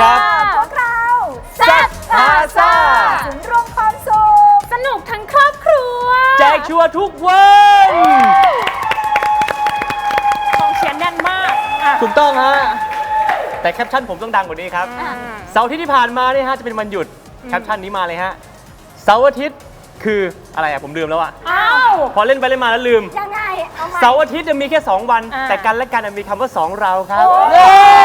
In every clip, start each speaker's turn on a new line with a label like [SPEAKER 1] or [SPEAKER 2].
[SPEAKER 1] ครับ
[SPEAKER 2] พวกเรา
[SPEAKER 1] แซ่บพาซ่า
[SPEAKER 2] ศูนย์รวมความสุข
[SPEAKER 3] สนุกทั้งครอบครัว
[SPEAKER 1] แจกชัวร์ทุกวัน
[SPEAKER 3] กองเชียร์แน่นมาก
[SPEAKER 1] ถูกต้องฮะแต่แคปชั่นผมต้องดังกว่านี้ครับเสาร์อาทิตย์ที่ผ่านมาเนี่ยฮะจะเป็นวันหยุดแคปชั่นนี้มาเลยฮะเสาร์อาทิตย์คืออะไรอะผมลืมแล้วอะ
[SPEAKER 3] อ้าว
[SPEAKER 1] พอเล่นไปเล่นมาแล้วลืม
[SPEAKER 2] ยังไงเอามา
[SPEAKER 1] เสาร์อาทิตย์จะมีแค่2วันแต่กันและกันมีคำว่า2เราครับเย้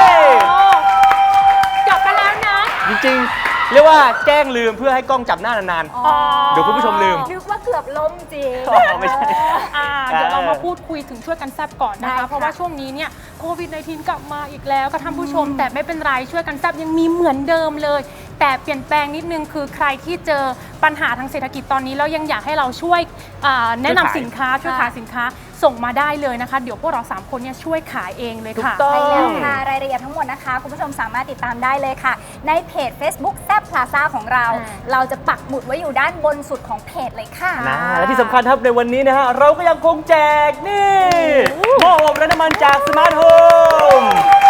[SPEAKER 3] จบไปแล้วนะ
[SPEAKER 1] จริงๆเรียกว่าแกล้งลืมเพื่อให้กล้องจับหน้านานๆเดี๋ยวคุณผู้ชมลืม
[SPEAKER 2] นึกว่าเกือบล้มจริง
[SPEAKER 1] ไม่ใช่
[SPEAKER 3] เดี๋ยวเรามาพูดคุยถึงช่วยกันแซบก่อนนะ
[SPEAKER 2] ได้
[SPEAKER 3] คะ
[SPEAKER 2] ค่ะ
[SPEAKER 3] เพราะว่าช่วงนี้เนี่ยโควิด -19 กลับมาอีกแล้วค่ะท่านผู้ชม แต่ไม่เป็นไรช่วยกันแซบยังมีเหมือนเดิมเลย แต่เปลี่ยนแปลงนิดนึงคือใครที่เจอปัญหาทางเศรษฐกิจตอนนี้แล้วยังอยากให้เราช่วยแนะนำสินค้าช่วยขายสินค้าส่งมาได้เลยนะคะ เดี๋ยวพวกเรา3คนเนี่ยช่วยขายเองเลยค่ะ
[SPEAKER 2] ใช่แล้วค่ะรายละเอียดทั้งหมดนะคะ คุณผู้ชมสามารถติดตามได้เลยค่ะ ในเพจ Facebook แซ่บพลาซ่าของเรา เราจะปักหมุดไว้อยู่ด้านบนสุดของเพจเลยค่ะ
[SPEAKER 1] นะและที่สำคัญครับในวันนี้นะฮะเราก็ยังคงแจกนี่หม้ออบไร้น้ำมันจากสมาร์ทโฮม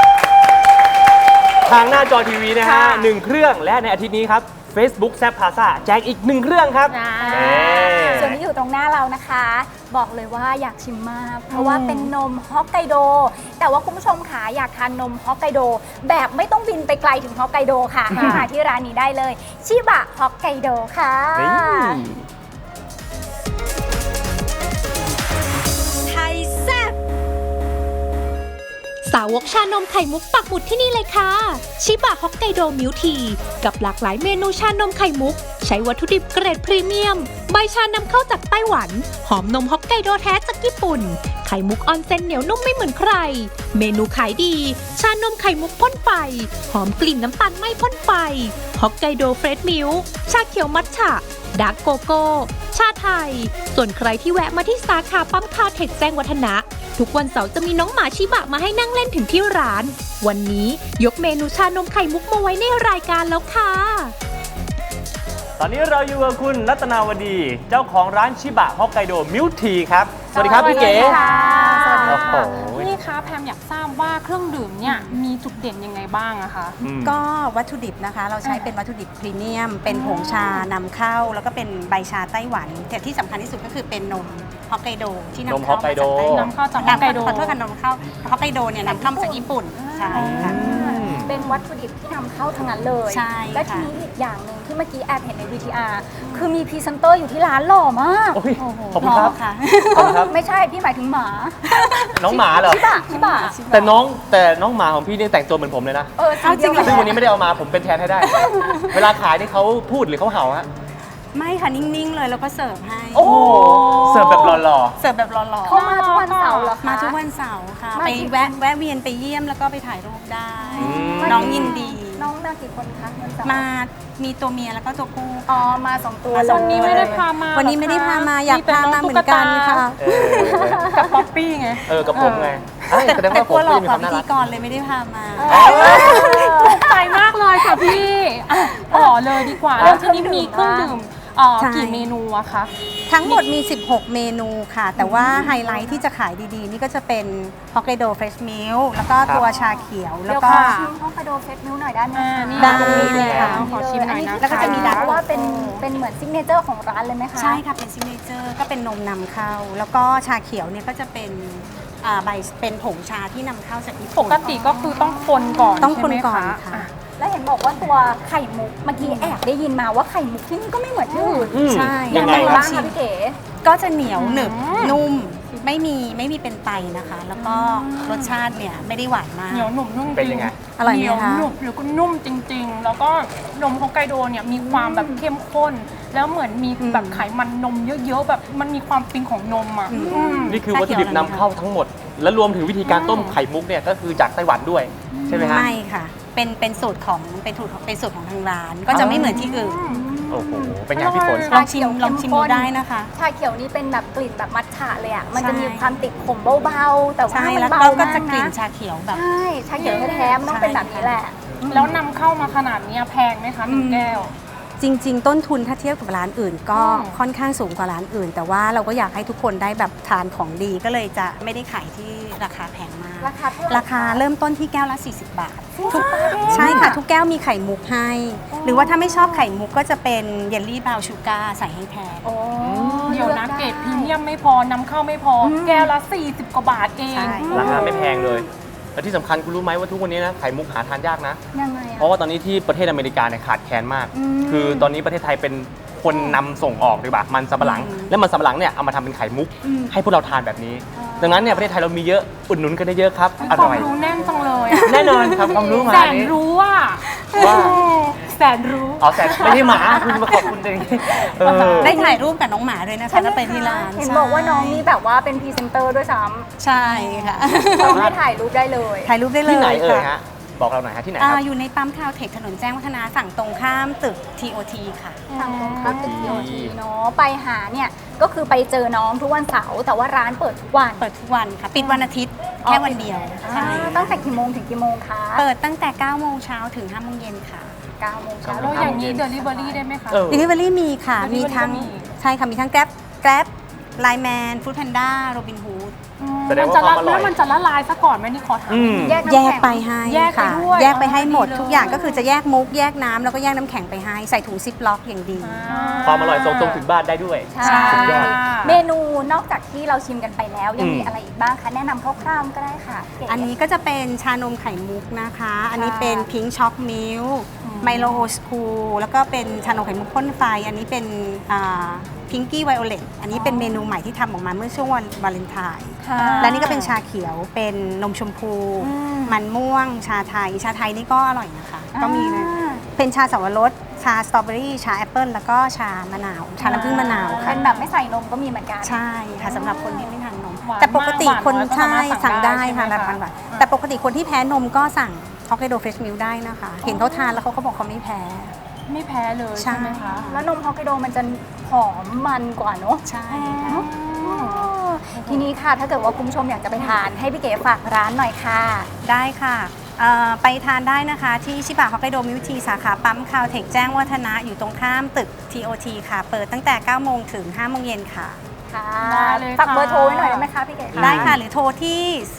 [SPEAKER 1] ทางหน้าจอทีวีนะฮะ1เครื่องและในอาทิตย์นี้ครับ Facebook แซ่บพาซ่าแจกอีก1เครื่องครับ
[SPEAKER 2] ส่วนที่อยู่ตรงหน้าเรานะคะ บอกเลยว่าอยากชิมมาก เพราะว่าเป็นนมฮอกไกโด แต่ว่าคุณผู้ชมค่ะอยากทานนมฮอกไกโด แบบไม่ต้องบินไปไกลถึงฮอกไกโดค่ะให้มาที่ร้านนี้ได้เลยชิบะฮอกไกโดค่ะ
[SPEAKER 4] ไทยแซ่บสาวกชานมไข่มุกปักหมุดที่นี่เลยค่ะชิบะฮอกไกโดมิลทีกับหลากหลายเมนูชานมไข่มุกใช้วัตถุดิบเกรดพรีเมียมใบชานำเข้าจากไต้หวันหอมนมฮอกไกโดแท้จากญี่ปุ่นไข่มุกออนเซนเหนียวนุ่มไม่เหมือนใครเมนูขายดีชานมไข่มุกพ่นไฟหอมกลิ่นน้ำตาลไม่พ่นไฟฮอกไกโดเฟรชมิลค์ชาเขียวมัทฉะดาร์กโกโก้ชาไทยส่วนใครที่แวะมาที่สาขาปั๊มคาเทคแจ้งวัฒนะทุกวันเสาร์จะมีน้องหมาชิบะมาให้นั่งเล่นถึงที่ร้านวันนี้ยกเมนูชานมไข่มุกมาไว้ในรายการแล้วค่ะ
[SPEAKER 1] ตอนนี้เราอยู่กับคุณรัตนาวดีเจ้าของร้านชิบะฮอกไกโดมิลทีครับสวัสดีครับพี่เก๋
[SPEAKER 3] สวัสดี
[SPEAKER 1] โอ้
[SPEAKER 3] ค่ะ
[SPEAKER 1] โห
[SPEAKER 3] พี่คะแพมอยากทราบว่าเครื่องดื่มเนี่ยมีจุดเด่นยังไงบ้างอะคะ
[SPEAKER 5] ก็วัตถุดิบนะคะเราใช้เป็นวัตถุดิบพรีเมียมเป็นผงชานำเข้าแล้วก็เป็นใบชาไต้หวันแต่ที่สำคัญที่สุดก็คือเป็นนมฮอกไกโดที่นำ
[SPEAKER 1] นมฮ
[SPEAKER 5] เข้า
[SPEAKER 1] อกไกโด
[SPEAKER 5] มาจากไต้หวัน
[SPEAKER 3] นำเข้าจากฮอกไกโด
[SPEAKER 5] ขอโทษค่ะนมเข้าฮอกไกโดเนี่ยนำเข้ามาจากญี่ปุ่นใช่ค่ะ
[SPEAKER 2] เป็นวัตถุดิบที่นำเข้าทั้งนั้นเลย
[SPEAKER 5] ใช่
[SPEAKER 2] และที
[SPEAKER 5] ค่ะ
[SPEAKER 2] นี้อีกอย่างหนึ่งที่เมื่อกี้แอบเห็นใน VTR คือมีพรีเซนเตอร์อยู่ที่ร้านหล่อมาก
[SPEAKER 1] โอ้ยขอบคุณครับ
[SPEAKER 5] ค่ะ
[SPEAKER 1] ขอบคุณครับ
[SPEAKER 2] ไม่ใช่พี่หมายถึงหมา
[SPEAKER 1] น้องหมาเหรอ
[SPEAKER 2] ชิบะ
[SPEAKER 1] แต่น้องหมาของพี่นี่แต่งตัวเหมือนผมเลยนะ
[SPEAKER 2] เอาจริงเหรอ
[SPEAKER 1] ซึ่งวันนี้ไม่ได้เอามาผมเป็นแทนให้ได้ เวลาขายนี่เขาพูดหรือเขาเห่าฮะ
[SPEAKER 5] ไม่ค่ะนิ่งๆเลยแล้วก็เสิร์ฟให้
[SPEAKER 1] โอ้โหเสิร์ฟแบบหล่อ
[SPEAKER 5] เสิร์ฟแบบหล่อ
[SPEAKER 2] เข้ามาทุกวันเสาร์เหรอคะ
[SPEAKER 5] ๆมาทุกวันเสาร์ค่ะ
[SPEAKER 2] มา
[SPEAKER 5] ไป
[SPEAKER 2] ที่
[SPEAKER 5] แวะเวียนไปเยี่ยมแล้วก็ไปถ่ายรูปได้
[SPEAKER 1] ม
[SPEAKER 5] น้องยินดี
[SPEAKER 2] น้องมากี่คนคะวันเสาร์
[SPEAKER 5] มามีตัวเมียแล้วก็ตัวผู้
[SPEAKER 2] อ๋อมาสองตัว
[SPEAKER 5] มาส
[SPEAKER 2] เล
[SPEAKER 5] อง
[SPEAKER 2] ย
[SPEAKER 5] ตัว
[SPEAKER 3] วันนี้ไม่ได้พามา
[SPEAKER 5] วันนี้ไม่ได้พามาอยาก
[SPEAKER 3] ป็
[SPEAKER 5] พามาเหมือนกันค่ะ
[SPEAKER 1] ๆเออ
[SPEAKER 3] กับป๊อปปี้ไง
[SPEAKER 1] กับผมไงเอ้ยแสดง
[SPEAKER 5] แต่
[SPEAKER 1] ว่าก ผ
[SPEAKER 5] ลั
[SPEAKER 1] ม
[SPEAKER 5] วหล
[SPEAKER 1] ก็
[SPEAKER 5] อก
[SPEAKER 1] มี
[SPEAKER 5] ก
[SPEAKER 1] ค
[SPEAKER 5] ว่าว
[SPEAKER 1] าม
[SPEAKER 5] พิ
[SPEAKER 1] น่า
[SPEAKER 5] ธี
[SPEAKER 1] รัก
[SPEAKER 5] กรเลยไม่ได้พามา
[SPEAKER 3] ถูกใจมากเลยค่ะพี่ต่อเลยดีกว่าแล้วทีนี้มีเครื่องดื่ม
[SPEAKER 5] ใช่
[SPEAKER 3] กี่เมนูอะคะ
[SPEAKER 5] ทั้งหมดมี 16 เมนูค่ะ แต่ว่าไฮไลท์ที่จะขายดีๆ นี่ก็จะเป็นฮอกไกโดเฟรชมิลแล้วก็ตัวชาเขียวแล้ว
[SPEAKER 2] เดี๋ยว
[SPEAKER 5] ก็
[SPEAKER 2] ขอชิมฮอกไกโดเฟสมิลหน่อยได้ไหมคะ
[SPEAKER 3] นี่
[SPEAKER 5] ได้
[SPEAKER 3] เลยค่ะ
[SPEAKER 5] ค่ะ
[SPEAKER 3] ขอชิมหน่อยนะ
[SPEAKER 5] แล้วก็จะมี
[SPEAKER 2] เพราะว่าเป็นเหมือนซิกเนเจอร์ของร้านเลยไหมคะ
[SPEAKER 5] ใช่ค่ะ เป็นซิกเนเจอร์ก็เป็นนมนำเข้า แล้วก็ชาเขียวเนี่ยก็จะเป็นใบเป็นผงชาที่นำเข้าจากญี่
[SPEAKER 3] ป
[SPEAKER 5] ปุ่น
[SPEAKER 3] กติก็คือต้องคนก่อน
[SPEAKER 5] ต้องคน
[SPEAKER 3] ใช่ไหม
[SPEAKER 5] ก่อนค่ะ
[SPEAKER 2] แล้วเห็นบอกว่าตัวไข่มุกเมื่อกี้แอบได้ยินมาว่าไข่มุกที่นี่ก็ไม่เหมือนที่อื่น
[SPEAKER 5] ใช่
[SPEAKER 1] ยังไง
[SPEAKER 2] ไง
[SPEAKER 1] ครับ
[SPEAKER 2] บ้างคะพี่เก๋
[SPEAKER 5] ก็จะเหนียวหนึบนุ่มไม่มีเป็นไตนะคะ แล้วก็รสชาติเนี่ยไม่ได้หวานมาก
[SPEAKER 3] เหนียวหนุ่มนุ่มจริง
[SPEAKER 1] เป็นยังไง
[SPEAKER 5] อร่อยไหมคะ
[SPEAKER 3] เหนียวหนุ่มหรือก็นุ่มจริง ๆ แล้วก็นมฮอกไกโดเนี่ยมีความแบบเข้มข้น แล้วเหมือนมีแบบไขมันนมเยอะๆแบบมันมีความฟินของนมอ่ะอืม
[SPEAKER 1] นี่คือวัตถุดิบนำเข้าทั้งหมด และรวมถึงวิธีการต้มไข่มุกเนี่ยก็คือจากไต้หวันด้วย ใช่ไหมฮะ
[SPEAKER 5] ไม่ค่ะ เป็นสูตรของทางร้าน ก็จะไม่เหมือนที่อื่น
[SPEAKER 1] โอ้โห เป็นไงพี่ฝน
[SPEAKER 5] ลองชิมดูได้นะคะ
[SPEAKER 2] ชาเขียวนี่เป็นแบบกลิ่นแบบมัทฉะเลยอ่ะ มัน
[SPEAKER 5] ใช่
[SPEAKER 2] จะมีความติดขมเบาๆ แต่ว่า
[SPEAKER 5] ใช่
[SPEAKER 2] มัน
[SPEAKER 5] แล้ว
[SPEAKER 2] เบา
[SPEAKER 5] ก็
[SPEAKER 2] มาก
[SPEAKER 5] จะกลิ่น
[SPEAKER 2] นะ
[SPEAKER 5] ชาเขียวแบบ
[SPEAKER 2] ใช่ ชาเขียวแท้ๆมันต้องเป็นแบบนี้แหละ
[SPEAKER 3] แล้วนำเข้ามาขนาดเนี้ยแพงไหมคะหนึ่งแก้ว
[SPEAKER 5] จริง ๆ ต้นทุนถ้าเทียบกับร้านอื่น ก็
[SPEAKER 3] อืม
[SPEAKER 5] ค่อนข้างสูงกว่าร้านอื่น แต่ว่าเราก็อยากให้ทุกคนได้แบบทานของดีก็เลยจะไม่ได้ขายที่ราคาแพงมาก
[SPEAKER 2] ราคาเท่าไหร่
[SPEAKER 5] ราคาเริ่มต้นที่แก้วละ 40 บาท
[SPEAKER 2] ทุกบาทเอง
[SPEAKER 5] ใช่ค่ะ ทุกแก้วมีไข่มุกให้ หรือว่าถ้าไม่ชอบไข่มุกก็จะเป็นเยลลี่บราวน์ชูการ์ใส่ให้แทน
[SPEAKER 2] โอ้
[SPEAKER 3] เดี๋ยวนะเกรดพรีเมียมไม่พอนำเข้าไม่พออแก้วละ 40 กว่าบาทเอง
[SPEAKER 5] ใช่
[SPEAKER 1] ราคาไม่แพงเลย และที่สำคัญคุณรู้ไหมว่าทุกวันนี้นะไข่มุกหาทานยากนะ
[SPEAKER 2] ยังไง
[SPEAKER 1] เพราะว่าตอนนี้ที่ประเทศอเมริกาเนี่ยขาดแคลนมาก
[SPEAKER 2] อืม
[SPEAKER 1] คือตอนนี้ประเทศไทยเป็นคนนำส่งออกดีกว่ามันสำปะหลัง และมันสำปะหลังเนี่ยเอามาทำเป็นไข่มุก ให้พวกเราทานแบบนี้ ดังนั้นเนี่ยประเทศไทยเรามีเยอะอุดหนุนกันได้เยอะครับ อ
[SPEAKER 3] ควา
[SPEAKER 1] ร่
[SPEAKER 3] ม
[SPEAKER 1] อย
[SPEAKER 3] รู้แน่นจังเลยอะ
[SPEAKER 1] แน่นอนครับความรู้มา
[SPEAKER 3] แสน
[SPEAKER 1] นี้
[SPEAKER 3] รู้ว่า
[SPEAKER 1] ว่า
[SPEAKER 3] แสนรู้
[SPEAKER 1] เอาแต่ไม่ได้หมาคุณมาขอบคุณเองเออ
[SPEAKER 5] ได้ถ่ายรูปกับน้องหมาด้วยนะคะถ้าไปที่ร้าน
[SPEAKER 2] เห็นบอกว่าน้องนี่แบบว่าเป็นพรีเซนเตอร์ด้วยซ้
[SPEAKER 5] ใช่ค่ะ
[SPEAKER 2] ำน้องให้ถ่ายรูปได้เลย
[SPEAKER 5] ถ่ายรูปได้เลย
[SPEAKER 1] ที่ไหนเอ่ย
[SPEAKER 5] ค่ะ
[SPEAKER 1] ฮะบอกเราหน่อยฮะที่ไหนครับ
[SPEAKER 5] อยู่ในปั๊มคาวเทคถนนแจ้งวัฒนะฝั่งตรงข้ามตึก TOT ค่ะ
[SPEAKER 2] ทางตรงข้ามตึกทีเนาะไปหาเนี่ยก็คือไปเจอน้องทุกวันเสาร์แต่ว่าร้านเปิดทุกวัน
[SPEAKER 5] เปิดทุกวันค่ะ ปิดวันอาทิตย์แค่วันเดียวใช่
[SPEAKER 2] ตั้งแต่กี่โมงถึงกี่โมงคะ
[SPEAKER 5] เปิดตั้งแต่ 9 โมงเช้าถึง 5 โมงเย็นค่ะ
[SPEAKER 2] 9 โมงเช้า
[SPEAKER 3] แล้วอย่างนี้เดลิเวอรี่ได้ไหมคะ
[SPEAKER 1] เออ
[SPEAKER 5] Delivery มีค่ะ
[SPEAKER 3] Delivery
[SPEAKER 5] มีทั้ง
[SPEAKER 3] ก็มี
[SPEAKER 5] ใช่ค่ะ มีทั้ง Grab Lineman Food Panda Robin Hood
[SPEAKER 1] แสดง
[SPEAKER 3] มัน
[SPEAKER 1] ว่า
[SPEAKER 3] จะ
[SPEAKER 1] ควา
[SPEAKER 3] ละ
[SPEAKER 1] มอร่อย
[SPEAKER 3] แล้วมันจะละลายซะก่อนไหมนี่ขอถาม
[SPEAKER 1] อืม
[SPEAKER 2] แยกน้ำ
[SPEAKER 5] แยก
[SPEAKER 2] แข็ง
[SPEAKER 5] ไปให้
[SPEAKER 3] แยกไป
[SPEAKER 5] ค่ะ
[SPEAKER 3] ด้วย
[SPEAKER 5] แยกไปให้หมด
[SPEAKER 3] ดีเลย
[SPEAKER 5] ทุกอย่างก็คือจะแยกมุกแยกน้ำแล้วก็แยกน้ำแข็งไปให้ใส่ถุงซิปล็อกอย่างดี
[SPEAKER 1] ความอร่อยส่งตรงถึงบ้านได้ด้วย
[SPEAKER 2] ใช่
[SPEAKER 1] สุดยอด
[SPEAKER 2] เมนูนอกจากที่เราชิมกันไปแล้ว ยังมี
[SPEAKER 1] อืม
[SPEAKER 2] อะไรอีกบ้างคะ แนะนำคร่าวๆก็ได้ค่ะเก๋
[SPEAKER 5] อันนี้ก็จะเป็นชานมไข่มุกนะคะ อันนี้เป็นพิงช็อกมิลไมโลโอสคูแล้วก็เป็นชานมไข่มุกพ่นไฟ อันนี้เป็นพิงกี้ไวโอเลตอันนี้เป็นเมนูใหม่ที่ทำออกมาเมื่อช่วงวันวาเลนไทน์
[SPEAKER 2] ค่ะ
[SPEAKER 5] และนี่ก็เป็นชาเขียวเป็นนมชมพู
[SPEAKER 2] อืม
[SPEAKER 5] มันม่วง ชาไทย ชาไทยนี่ก็อร่อยนะคะ ก็มีเลย
[SPEAKER 2] อ่า
[SPEAKER 5] เป็นชาสับปะรด ชาสตรอเบอรี่ ชาแอปเปิลแล้วก็ชามะนาว ชาน้ำผึ้งมะนาวค่ะ
[SPEAKER 2] เป็นแบบไม่ใส่นมก็มีเหมือนกัน
[SPEAKER 5] ใช่ค่ะสำหรับคนที่ไม่ทานนม
[SPEAKER 3] หวาน
[SPEAKER 5] แต่ปกติ
[SPEAKER 3] มาก
[SPEAKER 5] คน
[SPEAKER 3] หวานน้อยก็
[SPEAKER 5] ใช่
[SPEAKER 3] สามารถสั่
[SPEAKER 5] สั่ง
[SPEAKER 3] งได้
[SPEAKER 5] ได้ค่ะ
[SPEAKER 3] ใช่ไหม
[SPEAKER 5] รับ
[SPEAKER 3] คะ
[SPEAKER 5] ประทานแต่ปกติคนที่แพ้นมก็สั่งฮอกไกโดเฟรชมิลได้นะคะ เห็นเขาทานแล้วเขาก็บอกเขาไม่แพ้
[SPEAKER 3] ไม่แพ้เลย
[SPEAKER 5] ใช่
[SPEAKER 3] ใช่ไหมคะ
[SPEAKER 2] แล้วนมฮอกไกโดมันจะหอมมันกว่าเนอะ
[SPEAKER 5] ใช่
[SPEAKER 2] เนอะทีนี้ค่ะถ้าเกิดว่าคุณผู้ชมอยากจะไปทานให้พี่เก๋ฝากร้านหน่อยค่ะ
[SPEAKER 5] ได้ค่ะไปทานได้นะคะที่ชิบะฮอกไกโดมิวทีสาขาปั๊มคาวเทคแจ้งวัฒนะอยู่ตรงข้ามตึก TOT ค่ะ เปิดตั้งแต่ 9 โมงถึง 5 โมงเย็นค่ะ
[SPEAKER 2] ค่ะ
[SPEAKER 3] ได้เลยค่ะ
[SPEAKER 2] ฝากเบอร์โทรไว้หน่อยได้ไหมคะพี่เก๋
[SPEAKER 5] ได้ค่ะ หรือโทรที่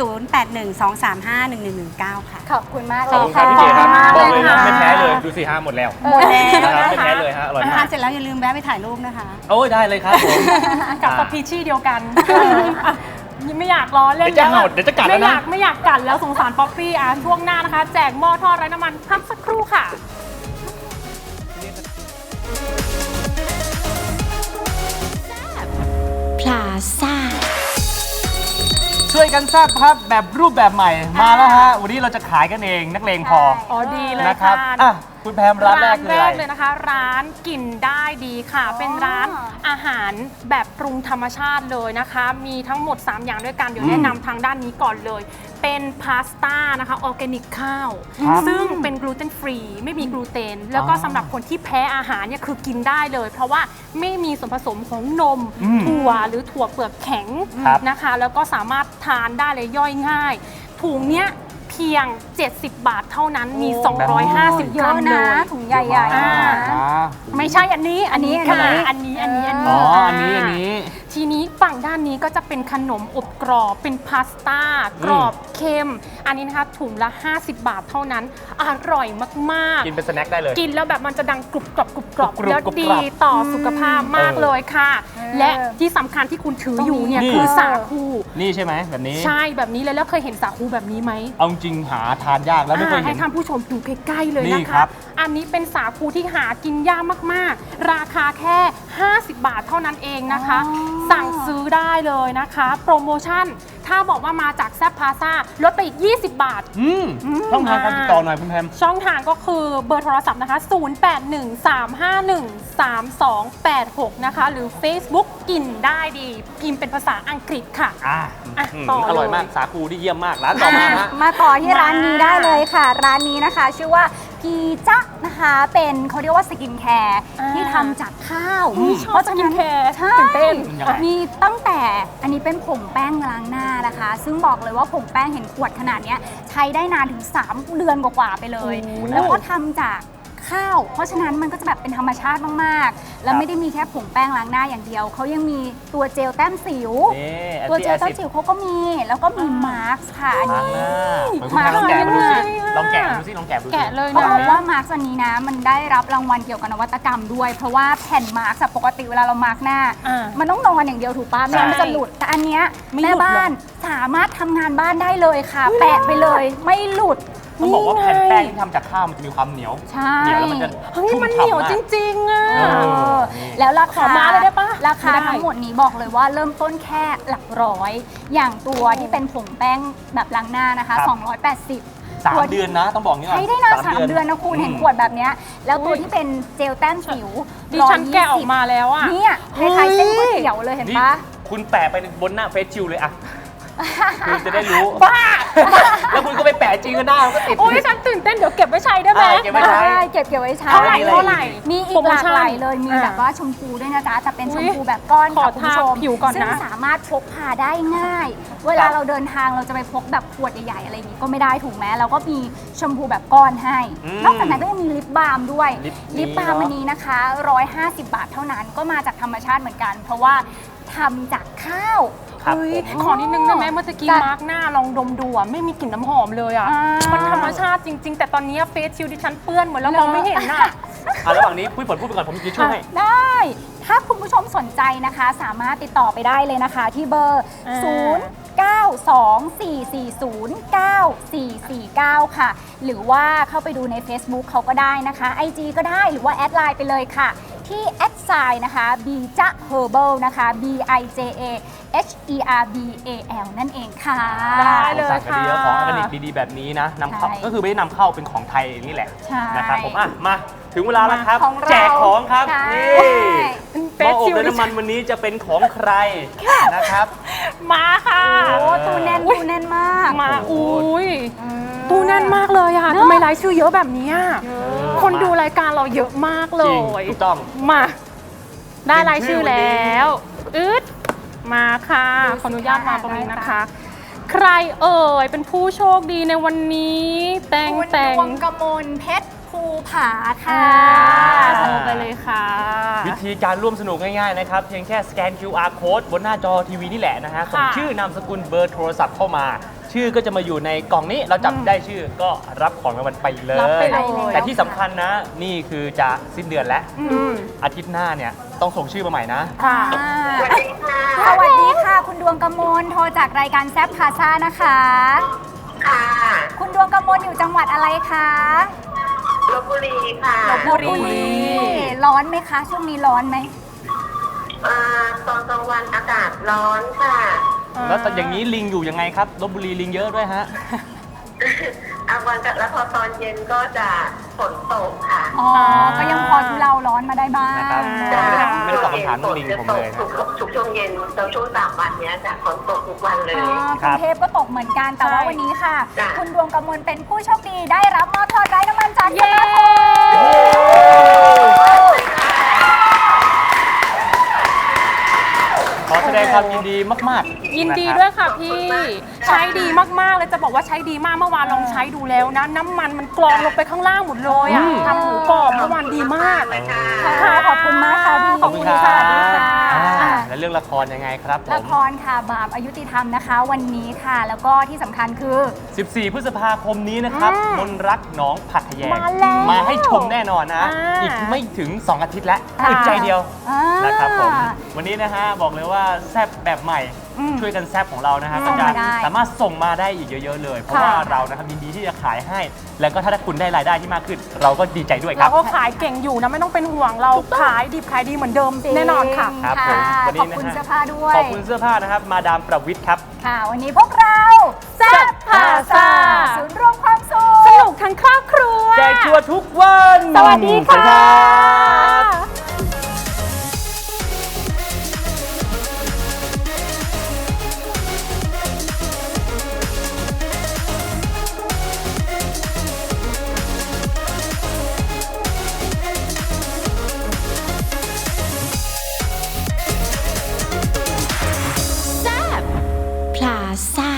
[SPEAKER 5] 0812351119 ค่ะ
[SPEAKER 2] ขอบคุณมากเล
[SPEAKER 1] ขอบ
[SPEAKER 2] ย
[SPEAKER 1] คุณครั
[SPEAKER 2] ค่ะ
[SPEAKER 1] บพี่เก๋ครับ
[SPEAKER 3] ข
[SPEAKER 1] บ
[SPEAKER 3] อ
[SPEAKER 1] อบ ก
[SPEAKER 3] คุ
[SPEAKER 1] เลย
[SPEAKER 3] ณ
[SPEAKER 1] นะ
[SPEAKER 3] ค่ะ
[SPEAKER 1] ไม่แพ้เลยดูสิฮะหมดแล้ว
[SPEAKER 2] หมดแล้ว
[SPEAKER 1] นะครับ
[SPEAKER 2] นะ
[SPEAKER 1] ไม่
[SPEAKER 2] คะ
[SPEAKER 1] แพ้เลยฮะอร่อย
[SPEAKER 5] ทาม
[SPEAKER 1] าน ก
[SPEAKER 5] เสร็จแล้วอย่าลืมแวะไปถ่ายรูปนะคะ
[SPEAKER 1] โอ้ยได้เลยครับผม
[SPEAKER 3] กับสปีชีส์เดียวกันอ่ะไม่อยากล้อเล่น
[SPEAKER 1] เดี๋ยวจะเห่าเดี๋ยวจะกัดแล้วนะ
[SPEAKER 3] ไม่อยากกัดแล้วสงสารป๊อปปี้อ่ะช่วงหน้านะคะ แจกหม้อทอดไร้น้ำมันพักสักครู่ค่ะ
[SPEAKER 4] พลาซ่า
[SPEAKER 1] ช่วยกันแซ่บครับแบบรูปแบบใหม่มาแล้วฮะวันนี้เราจะขายกันเองนักเลงพอ
[SPEAKER 3] อ๋อดีเลย
[SPEAKER 1] นะครับ
[SPEAKER 3] ค่ะ
[SPEAKER 1] อ่ะคุณแพมร้านแรกคืออะไร
[SPEAKER 3] เลยนะคะ ร้านกินได้ดีค่ะ เป็นร้านอาหารแบบปรุงธรรมชาติเลยนะคะ มีทั้งหมด 3 อย่างด้วยกันเดี๋ยวแนะนำทางด้านนี้ก่อนเลย เป็นพาสต้านะคะออร์แกนิกข้าว
[SPEAKER 1] ครับ
[SPEAKER 3] ซึ่งเป็นกลูเตนฟรีไม่มีกลูเตน แล้วก็
[SPEAKER 1] อ๋อ
[SPEAKER 3] สำหรับคนที่แพ้อาหารเนี่ยคือกินได้เลย เพราะว่าไม่มีส่วนผสมของนม
[SPEAKER 1] อืม
[SPEAKER 3] ถั่วหรือถั่วเปลือกแข็ง
[SPEAKER 1] ครับ
[SPEAKER 3] นะคะ แล้วก็สามารถทานได้เลยย่อยง่าย ถุงเนี้ยเพียง 70 บาทเท่านั้นมี 250
[SPEAKER 2] เย
[SPEAKER 3] กรั
[SPEAKER 2] อะ
[SPEAKER 3] มเล
[SPEAKER 2] นะ
[SPEAKER 3] ย
[SPEAKER 2] ถุงใหญ่ๆ
[SPEAKER 3] อ่า
[SPEAKER 2] นะ
[SPEAKER 1] อ่า
[SPEAKER 3] ไม่ใช่อันนี้ อันนี้
[SPEAKER 2] อัน
[SPEAKER 3] ค่ะ
[SPEAKER 2] ไหน
[SPEAKER 3] อันนี้
[SPEAKER 1] อ๋ออันนี้
[SPEAKER 3] ทีนี้ฝั่งด้านนี้ก็จะเป็นขนมอบกรอบ เป็นพาสต้ากรอบเค็ม อันนี้นะคะถุงละ 50 บาทเท่านั้น อร่อยมากๆ
[SPEAKER 1] กินเป็นสแน็คได้เลย
[SPEAKER 3] กินแล้วแบบมันจะดังกรุบกรอบกรุบกรอบ
[SPEAKER 1] กรุบกรอบ
[SPEAKER 3] แล้ว
[SPEAKER 1] กรุบกรอบ
[SPEAKER 3] ดีต่อสุขภาพมากเลยค่ะ และที่สำคัญที่คุณถืออยู่เนี่ย
[SPEAKER 1] นี่
[SPEAKER 3] คือสาคู
[SPEAKER 1] นี่ใช่ไหมแบบนี้
[SPEAKER 3] ใช่แบบนี้เลยแล้วเคยเห็นสาคูแบบนี้ไหม
[SPEAKER 1] เอาจริงหาทานยากแล้วไม่เคย
[SPEAKER 3] ให้
[SPEAKER 1] เห็น
[SPEAKER 3] ท่านผู้ชมดูใกล้ๆเลย
[SPEAKER 1] นี่
[SPEAKER 3] นะ
[SPEAKER 1] ครั
[SPEAKER 3] คะ
[SPEAKER 1] บ
[SPEAKER 3] อันนี้เป็นสาคูที่หากินยากมากๆ ราคาแค่ 50 บาทเท่านั้นเองนะคะ สั่งซื้อได้เลยนะคะ โปรโมชั่น ถ้าบอกว่ามาจากแซบพาซาลดไปอีก 20 บาท
[SPEAKER 1] ต้องทางการติดต่อหน่อยคุณแพม
[SPEAKER 3] ช่องทางก็คือเบอร์โทรศัพท์นะคะ 0813513286 นะคะ หรือ Facebook กินได้ดี พิมพ์เป็นภาษาอังกฤษค่ะ
[SPEAKER 1] อ่ะ
[SPEAKER 3] ต่อเลย
[SPEAKER 1] อร่อยมากสาคูที่เยี่ยมมากร้านต่อมาฮะ
[SPEAKER 2] มาต่อที่ร้านนี้ได้เลยค่ะ ร้านนี้นะคะชื่อว่าพีจ๊ะนะคะเป็นเขาเรียกว่าสกินแคร์
[SPEAKER 3] อ่า
[SPEAKER 2] ที่ทำจากข้าว
[SPEAKER 3] ชอบสกินแคร์
[SPEAKER 2] ใช่
[SPEAKER 3] ตื่นเต้น
[SPEAKER 1] ยังไง
[SPEAKER 2] มีตั้งแต่อันนี้เป็นผงแป้งล้างหน้านะคะ ซึ่งบอกเลยว่าผงแป้งเห็นขวดขนาดเนี้ยใช้ได้นานถึง 3 เดือนกว่าๆไปเลย
[SPEAKER 3] โอ้โห
[SPEAKER 2] แล้วก็ทำจากข้าว เพราะฉะนั้นมันก็จะแบบเป็นธรรมชาติมากๆ แล้วไม่ได้มีแค่ผงแป้งล้างหน้าอย่างเดียวเขายังมีตัวเจลแต้มสิว
[SPEAKER 1] นี่
[SPEAKER 2] ตัวเจลแต้มสิวเขาก็มีแล้วก็มีมาร์คค่ะอัน
[SPEAKER 1] มาร์
[SPEAKER 2] นี้
[SPEAKER 1] กหน้าลองแกะดูสิ
[SPEAKER 3] มาร์ค
[SPEAKER 1] ลองแกะดูสิลองแกะดูสิ
[SPEAKER 3] แกะเลย
[SPEAKER 2] เขา
[SPEAKER 3] นะ
[SPEAKER 2] บอกว่ามาร์ควันนี้นะมันได้รับรางวัลเกี่ยวกับนวัตกรรมด้วย เพราะว่าแผ่นมาร์คปกติเวลาเรามาร์คหน้า
[SPEAKER 3] อ่า
[SPEAKER 2] มันต้องนอนอย่างเดียวถูกป่ะไม่งั้นมันจะหลุดแต่อันเนี้ย
[SPEAKER 3] ไม่หลุด
[SPEAKER 2] แม่บ้านสามารถทำงานบ้านได้เลยค่ะ แปะไปเลยไม่หลุด
[SPEAKER 1] ต้องบอกว่าแผ่นแป้งที่ทำจากข้าวมันจะมีความเหนียว
[SPEAKER 2] ใช่
[SPEAKER 1] เหนียวแล้วมันจะ
[SPEAKER 3] เฮ้ย
[SPEAKER 1] ชุ่ม
[SPEAKER 3] มันเหนียว
[SPEAKER 1] ฉ่ำมาก
[SPEAKER 3] จริงๆอ่ะ
[SPEAKER 1] เออ
[SPEAKER 2] แล้วรา
[SPEAKER 3] ขอ
[SPEAKER 2] คา
[SPEAKER 3] มาเลยได้ปะ
[SPEAKER 2] ราคา
[SPEAKER 3] ไม่ได้
[SPEAKER 2] ทั้งหมดนี้บอกเลยว่าเริ่มต้นแค่หลักร้อย อย่างตัวที่เป็นผงแป้งแบบล้างหน้านะคะ
[SPEAKER 1] ครับ
[SPEAKER 2] 280
[SPEAKER 1] 3 เดือนนะต้องบอกอย่างนี้ก่อน
[SPEAKER 2] ใช้ได้นาน3 เดือนนะคุณเห็นขวดแบบเนี้ยแล้วตัวที่เป็นเจลแต้มสิว
[SPEAKER 3] ดิฉันแกะออกมาแล้วอ่ะ
[SPEAKER 2] เนี่ยคล้ายๆเส้นก๋วยเตี๋ยวเลยเห็น
[SPEAKER 1] นี่
[SPEAKER 2] ปะ
[SPEAKER 1] คุณแปะไปบนหน้าเฟซชิลเลยอะคือจะได้รู้
[SPEAKER 3] บ้า
[SPEAKER 1] แล้วคุณก็ไปแปะจริงก็หน้ามันก็ติด
[SPEAKER 3] โอ้ยฉันตื่นเต้นเดี๋ยวเก็บไว้ใช้ได้ไหม
[SPEAKER 1] เก็บไว้ใช้
[SPEAKER 2] ได้เก็บไว้ใช้
[SPEAKER 3] เท่าไหร่เท่าไหร่
[SPEAKER 2] มีอี
[SPEAKER 3] โปร
[SPEAKER 2] ก
[SPEAKER 3] โม
[SPEAKER 2] หลาก
[SPEAKER 3] ชั่น
[SPEAKER 2] หลายเลยมี
[SPEAKER 3] อ่า
[SPEAKER 2] แบบว่าชมพูด้วยนะจ๊ะแต่เป็นช
[SPEAKER 3] อุ๊
[SPEAKER 2] ม
[SPEAKER 3] ย
[SPEAKER 2] พูแบบก้อน
[SPEAKER 3] ขอ
[SPEAKER 2] ค่ะคุณผู้ชม
[SPEAKER 3] ทาผิวก่อนนะ
[SPEAKER 2] ซึ่งสามารถพกพาได้ง่าย เวลาเราเดินทางเราจะไปพกแบบขวดใหญ่ๆอะไรอย่างนี้ก็ไม่ได้ถูกไหมเราก็มีชมพูแบบก้อนให้ นอกจากนั้นก็ยังมีลิปบาล์มด้วย ลิปบาล์มอันนี้นะคะ150 บาทเท่านั้นก็มาจากธรรมชาติเหมือนกัน เพราะว่าทำจากข้าว
[SPEAKER 1] ครับ
[SPEAKER 3] เฮ้ย
[SPEAKER 1] ผม
[SPEAKER 3] ขอนิดนึงได้ไหมเมื่อกี้
[SPEAKER 2] จ้ะ
[SPEAKER 3] มาร์กหน้าลองดมดูอ่ะไม่มีกลิ่นน้ำหอมเลยอ่ะ
[SPEAKER 2] อ่ามั
[SPEAKER 3] มันธรรมชาติจริง ๆ แต่ตอนนี้เฟซชิลดิฉันเปื้อนหมดแล้วมองไม่เห็นอ่ะ
[SPEAKER 1] ระหว่างนี้พูดผลพูดไปก่อนผมจะช่วยให้
[SPEAKER 2] ได้ ถ้าคุณผู้ชมสนใจนะคะ สามารถติดต่อไปได้เลยนะคะที่เบอร์
[SPEAKER 3] อ่า
[SPEAKER 2] 0924409449 ค่ะ หรือว่าเข้าไปดูใน Facebook เขาก็ได้นะคะ IG ก็ได้หรือว่าแอดไลน์ไปเลยค่ะ ที่แอดไซน์นะคะ bija herbal นะคะ bija HERBAL นั่นเองค่ะ
[SPEAKER 3] ได้เลย
[SPEAKER 1] สั่งกันดีแล้ว
[SPEAKER 3] ค่ะ
[SPEAKER 1] ของออร์แกนิกดีๆแบบนี้นะนำเข้า
[SPEAKER 2] ใช่
[SPEAKER 1] ก็คือไม่ได้นำเข้าเป็นของไทยนี่แหละ
[SPEAKER 2] ใช่
[SPEAKER 1] นะครับผมอ่ะมาถึงเวลาแล้วครับ
[SPEAKER 2] ของเรา
[SPEAKER 1] แจกของครับ
[SPEAKER 2] ใช่
[SPEAKER 1] นี่
[SPEAKER 3] เฟ
[SPEAKER 1] หม้
[SPEAKER 3] ซ
[SPEAKER 1] ออบ
[SPEAKER 3] ชิล
[SPEAKER 1] ด้วยน้ำมันวันนี้จะเป็นของใครนะครับ
[SPEAKER 3] มาค่ะ
[SPEAKER 2] โอ้ตู้แน่นตู้แน่นมาก
[SPEAKER 3] มา
[SPEAKER 1] โอ้โห
[SPEAKER 3] อุ้ยตู้แน่นมากเลยอ่ะทำไมรายชื่อเยอะแบบนี้อะคนดูรายการเราเยอะมากเล
[SPEAKER 1] จริง
[SPEAKER 3] ย
[SPEAKER 1] ถูกต้อง
[SPEAKER 3] มา ได้
[SPEAKER 1] เป็น
[SPEAKER 3] รายชื่อ
[SPEAKER 1] ชื่อวันนี้
[SPEAKER 3] แล้วอึดมาค่ะ
[SPEAKER 2] ดูสิ
[SPEAKER 3] ขออนุญาตมาตรงนี้
[SPEAKER 2] ได้
[SPEAKER 3] นะคะ
[SPEAKER 2] ค่ะ
[SPEAKER 3] ใครเอ่ยเป็นผู้โชคดีในวันนี้ แต่ง
[SPEAKER 2] คุณ
[SPEAKER 3] แต่ง
[SPEAKER 2] ดวงกมลเพชรภูผาค่ะ
[SPEAKER 3] โทรไปเลยค่ะ
[SPEAKER 1] วิธีการร่วมสนุกง่ายๆนะครับ เพียงแค่สแกน QR code บนหน้าจอทีวีนี่แหละนะฮะส่งชื่อนามสกุลเบอร์โทรศัพท์เข้ามา ชื่อก็จะมาอยู่ในกล่องนี้เราจับได้ชื่อก็รับของรางวัลไปเล
[SPEAKER 3] รับไป
[SPEAKER 1] ย
[SPEAKER 3] เลย
[SPEAKER 1] แต่ที่สำคัญนะ นี่คือจะสิ้นเดือนแล้ว
[SPEAKER 3] อืม
[SPEAKER 1] อาทิตย์หน้าเนี่ยต้องส่งชื่อมาใหม่นะ
[SPEAKER 3] ค่ะ
[SPEAKER 2] สวัสดีค่ะ สวัสดีค่ะ คุณดวงกมลโทรจากรายการแซฟพาซ่านะคะ
[SPEAKER 6] ค่ะ
[SPEAKER 2] คุณดวงกมลอยู่จังหวัดอะไรคะ
[SPEAKER 6] ลพบุรีค่ะ
[SPEAKER 2] ลพบุรี ร้อนไหมคะ ช่วงนี้ร้อนไหม
[SPEAKER 6] ตอนกลางวันอากาศร้อนค่ะ
[SPEAKER 1] แล้วแต่อย่างนี้ลิงอยู่ยังไงครับลบบุรีลิงเยอะด้วยฮะ
[SPEAKER 6] กลางวันกับแล้วพอตอนเย็นก็จะฝนตกค่ะ
[SPEAKER 2] อ๋อ ก็ยังพอทุเลาร้อนมาได้บ้าง
[SPEAKER 1] นะครับ ไม่ได้ตอบคำถามเรื่องลิงผมเลย
[SPEAKER 6] ทุกช่วงเย็นแล้วช่วง3 วันเนี้ยจะฝนตกทุกวันเลย
[SPEAKER 2] อ๋อก
[SPEAKER 1] ครั
[SPEAKER 2] รุ
[SPEAKER 1] บ
[SPEAKER 2] งเทพก็ตกเหมือนกัน แต่ว่า
[SPEAKER 3] ใช่
[SPEAKER 2] วันนี้ค่ะ
[SPEAKER 6] จ้ะ
[SPEAKER 2] คุณดวงกมลเป็นผู้โชคดีได้รับหม้อทอดไร้น้ำมันจาก
[SPEAKER 3] เย้
[SPEAKER 2] สมาคม
[SPEAKER 1] ขอแสดงความยินดีมากๆ
[SPEAKER 3] ยินดี
[SPEAKER 1] ะครับ
[SPEAKER 3] ด้วยค่ะพี่ ใช้ดีมากๆเลยจะบอกว่าใช้ดีมากเมื่อวานลองใช้ดูแล้วนะ น้ำมันมันกรองลงไปข้างล่างหมดเลยอ่ะ
[SPEAKER 1] อืม
[SPEAKER 3] ทำหมูกรอบเมื่อวานดีมาก
[SPEAKER 6] เลยค่ะ
[SPEAKER 2] ค่ะขอบคุณมากค่ะพี่
[SPEAKER 1] ขอบคุณครับ
[SPEAKER 2] สวัสดีค่ะ
[SPEAKER 1] แล้วเรื่องละครยังไงครับผ
[SPEAKER 2] ละ
[SPEAKER 1] ม
[SPEAKER 2] ครค่ะบาปอายุติธรรมนะคะ วันนี้ค่ะ แล้วก็ที่สำคัญคือ
[SPEAKER 1] 14 พฤษภาคมนี้นะครับ
[SPEAKER 3] อืม
[SPEAKER 1] มนรักหน้องผักแยง
[SPEAKER 3] มาแล้ว
[SPEAKER 1] มาให้ชมแน่นอนนะ
[SPEAKER 3] อ่า
[SPEAKER 1] อีกไม่ถึง 2 อาทิตย์แล้ว
[SPEAKER 2] ค่ะ
[SPEAKER 1] อึดใจเดียว
[SPEAKER 2] อ่า
[SPEAKER 1] นะครับผม วันนี้นะฮะบอกเลยว่าแซบแบบใหม่
[SPEAKER 2] อืม
[SPEAKER 1] ช่วยกันแซบของเรานะฮะ
[SPEAKER 2] ส่
[SPEAKER 1] ก็
[SPEAKER 2] ง
[SPEAKER 1] จะ
[SPEAKER 2] มาได้
[SPEAKER 1] สามารถส่งมาได้อีกเยอะๆเลย เพราะ
[SPEAKER 2] ค่ะ
[SPEAKER 1] ว่าเรานะครับยินดีที่จะขายให้ แล้วก็ถ้าคุณได้รายได้ที่มากขึ้น เราก็ดีใจด้วยค
[SPEAKER 3] เรา
[SPEAKER 1] รับ
[SPEAKER 3] ก็ขายเก่งอยู่นะไม่ต้องเป็นห่วงเราขายดิบขายดีเหมือนเดิมแน่นอนค่ะ
[SPEAKER 1] ครับ
[SPEAKER 2] ค่ะ
[SPEAKER 1] ผมวันนี้
[SPEAKER 2] ขอบคุณ
[SPEAKER 1] นะฮะ
[SPEAKER 2] เสื้อผ้าด้วย
[SPEAKER 1] ขอบคุณเสื้อผ้านะครับมาดามประวิทย์ครับ
[SPEAKER 2] ค่ะ วันนี้พวกเราแซ่บพาซาศูนย์รวมความสุข
[SPEAKER 3] สนุกทั้งครอบครัว
[SPEAKER 1] แจกชัวร์ทุกวัน
[SPEAKER 2] สวัสดีค่ะ
[SPEAKER 1] สวัสดีครับ
[SPEAKER 4] พลาซ่า